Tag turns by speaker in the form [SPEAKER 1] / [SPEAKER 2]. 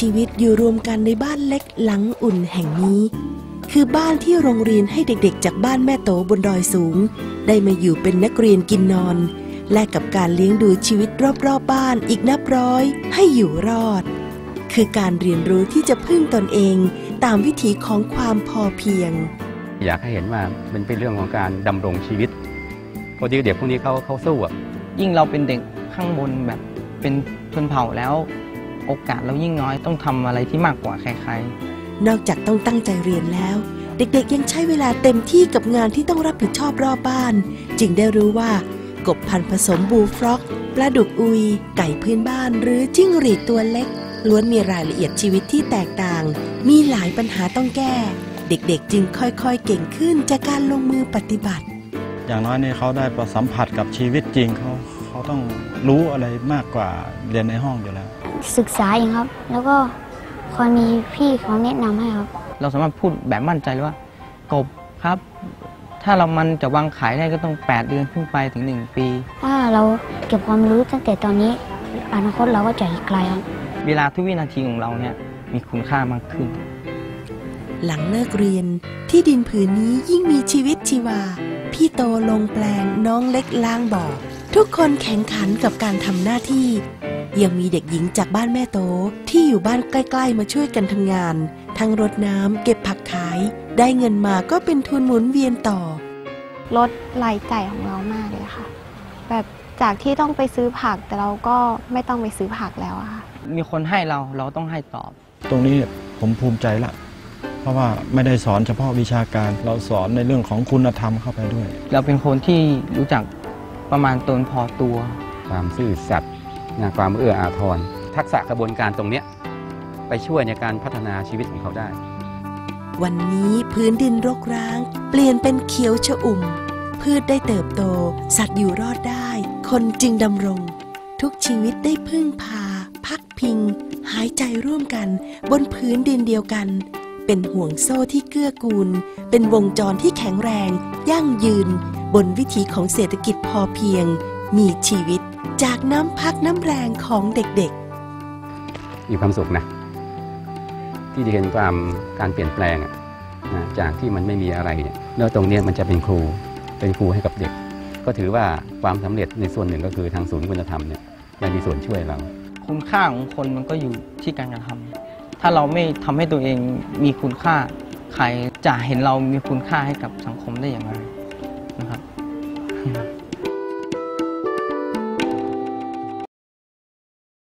[SPEAKER 1] ชีวิตอยู่รวมกันในบ้านเล็กหลังอุ่นแห่งนี้คือบ้านที่โรงเรียนให้เด็กๆจากบ้านแม่โตบนดอยสูงได้มาอยู่เป็นนักเรียนกินนอนและกับการเลี้ยงดูชีวิตรอบๆบ้านอีกนับร้อยให้อยู่รอดคือการเรียนรู้ที่จะพึ่งตนเองตามวิถีของความพอเพียง
[SPEAKER 2] อยากให้เห็นว่ามันเป็นเรื่องของการดำรงชีวิตเพราะเด็กพวกนี้เขาสู้อ่ะ
[SPEAKER 3] ยิ่งเราเป็นเด็กข้างบนแบบเป็นชนเผ่าแล้วโอกาสเรายิ่งน้อยต้องทำอะไรที่มากกว่าใคร
[SPEAKER 1] ๆนอกจากต้องตั้งใจเรียนแล้วเด็กๆยังใช้เวลาเต็มที่กับงานที่ต้องรับผิดชอบรอบบ้านจึงได้รู้ว่ากบพันธุ์ผสมบูลฟร็อกปลาดุกอุยไก่พื้นบ้านหรือจิ้งหรีดตัวเล็กล้วนมีรายละเอียดชีวิตที่แตกต่างมีหลายปัญหาต้องแก้เด็กๆจึงค่อยๆเก่งขึ้นจากการลงมือปฏิบัติ
[SPEAKER 4] อย่างน้อยนี่เขาได้สัมผัสกับชีวิตจริงเขาต้องรู้อะไรมากกว่าเรียนในห้องอยู่แล้ว
[SPEAKER 5] ศึกษาเองครับแล้วก็คอยมีพี่เขาแนะนำให้ครับ
[SPEAKER 3] เราสามารถพูดแบบมั่นใจเลยว่ากบครับถ้ามันจะวางขายได้ก็ต้อง8 เดือนขึ้นไปถึง1 ปี
[SPEAKER 5] ถ้าเราเก็บความรู้ตั้งแต่ตอนนี้อนาคตเราก็จะอีกไกลครับ
[SPEAKER 3] เวลาทุกวินาทีของเราเนี่ยมีคุณค่ามากขึ้น
[SPEAKER 1] หลังเลิกเรียนที่ดินผืนนี้ยิ่งมีชีวิตชีวาพี่โตลงแปลงน้องเล็กล้างบ่อทุกคนแข่งขันกับการทำหน้าที่ยังมีเด็กหญิงจากบ้านแม่โตที่อยู่บ้านใกล้ๆมาช่วยกันทำงานทั้งรดน้ำเก็บผักขายได้เงินมาก็เป็นทุนหมุนเวียนต่อ
[SPEAKER 6] ลดรายจ่ายของเรามากเลยค่ะแบบจากที่ต้องไปซื้อผักแต่เราก็ไม่ต้องไปซื้อผักแล้วอะค่ะ
[SPEAKER 3] มีคนให้เราต้องให้ตอบ
[SPEAKER 4] ตรงนี้ผมภูมิใจละเพราะว่าไม่ได้สอนเฉพาะวิชาการเราสอนในเรื่องของคุณธรรมเข้าไปด้วย
[SPEAKER 3] เราเป็นคนที่รู้จักประมาณตนพอตัว
[SPEAKER 2] ความซื่อสัตย์ความเอื้ออาทรทักษะกระบวนการตรงนี้ไปช่วยในการพัฒนาชีวิตของเขาได้
[SPEAKER 1] วันนี้พื้นดินรกร้างเปลี่ยนเป็นเขียวชอุ่มพืชได้เติบโตสัตว์อยู่รอดได้คนจึงดำรงทุกชีวิตได้พึ่งพาพักพิงหายใจร่วมกันบนพื้นดินเดียวกันเป็นห่วงโซ่ที่เกื้อกูลเป็นวงจรที่แข็งแรงยั่งยืนบนวิถีของเศรษฐกิจพอเพียงมีชีวิตจากน้ำพักน้ำแรงของเด็ก
[SPEAKER 2] ๆมีความสุขนะที่ได้เห็นการเปลี่ยนแปลงจากที่มันไม่มีอะไรเนี่ยแล้วตรงนี้มันจะเป็นครูให้กับเด็กก็ถือว่าความสำเร็จในส่วนหนึ่งก็คือทางศูนย์คุณธรรมเนี่ยได้มีส่วนช่วยเรา
[SPEAKER 3] คุณค่าของคนมันก็อยู่ที่การกระทำถ้าเราไม่ทำให้ตัวเองมีคุณค่าใครจะเห็นเรามีคุณค่าให้กับสังคมได้อย่างไรนะครับ